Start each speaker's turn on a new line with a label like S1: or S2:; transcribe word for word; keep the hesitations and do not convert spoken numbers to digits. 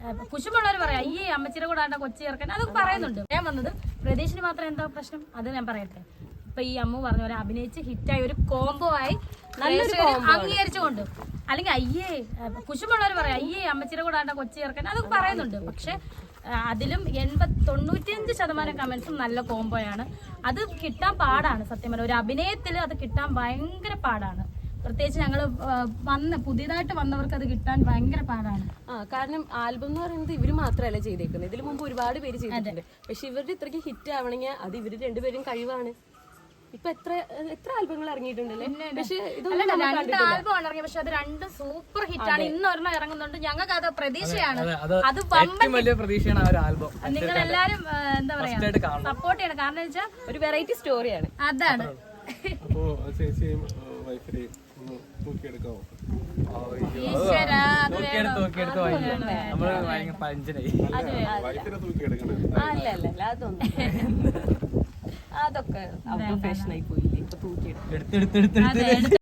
S1: കുശുമുള്ളവർ പറയാം അയ്യേ അമ്മച്ചിയുടെ കൂടെ ആണ്ട കൊച്ചി ചേർക്കാൻ അതൊക്കെ പറയുന്നുണ്ട്. ഞാൻ വന്നത് പ്രതീക്ഷിന് മാത്രം എന്താ പ്രശ്നം അത് ഞാൻ പറയട്ടെ. ഇപ്പൊ ഈ അമ്മ പറഞ്ഞ പോലെ അഭിനയിച്ച് ഹിറ്റായി ഒരു കോംബോ ആയി അംഗീകരിച്ചുകൊണ്ട്, അല്ലെങ്കിൽ അയ്യേ കുശുമുള്ളവർ പറയാം അയ്യേ അമ്മച്ചിയുടെ കൂടെ ആണ്ട കൊച്ചി ചേർക്കാൻ അതൊക്കെ പറയുന്നുണ്ട്. പക്ഷെ അതിലും എൺപത് തൊണ്ണൂറ്റിയഞ്ച് ശതമാനം കമന്റ്സും നല്ല കോംബോയാണ്. അത് കിട്ടാൻ പാടാണ്. സത്യം പറഞ്ഞാൽ ഒരു അഭിനയത്തിൽ അത് കിട്ടാൻ ഭയങ്കര പാടാണ്. പ്രത്യേകിച്ച് ഞങ്ങള് വന്ന് പുതിയതായിട്ട് വന്നവർക്ക് അത് കിട്ടാൻ ഭയങ്കര പാടാണ്.
S2: ആ കാരണം ആൽബം എന്ന് പറയുന്നത് ഇവര് മാത്രമല്ല ചെയ്തേക്കുന്നത്, ഇതിനു മുമ്പ് ഒരുപാട് പേര് ചെയ്തിട്ടുണ്ട്. പക്ഷെ ഇവരുടെ ഇത്രയ്ക്ക് ഹിറ്റ് ആവണമെങ്കിൽ അത് ഇവര് രണ്ടുപേരും കഴിവാണ്. ഇപ്പൊ എത്ര എത്ര ആൽബങ്ങൾ ഇറങ്ങിയിട്ടുണ്ടല്ലേ? പക്ഷെ
S1: രണ്ട് ആൽബം ആണ് ഇറങ്ങിയത്, പക്ഷെ അത് രണ്ട് സൂപ്പർ ഹിറ്റാണ്. ഇന്ന് ഒരെണ്ണം ഇറങ്ങുന്നുണ്ട്. ഞങ്ങൾക്ക് അത് പ്രതീക്ഷയാണ്. അത്
S3: വലിയ പ്രതീക്ഷയാണ് ആ ഒരു ആൽബം.
S1: നിങ്ങൾ എല്ലാരും എന്താ പറയാ സപ്പോർട്ട് ചെയ്യണം. കാരണം വെച്ചാൽ
S2: ഒരു വെറൈറ്റി സ്റ്റോറിയാണ്.
S1: അതാണ്.
S2: അല്ല അല്ല അല്ല അതൊന്നും അതൊക്കെ ഫാഷനായി പോയില്ലേ ഇപ്പൊ തൂക്കിയെടുത്ത്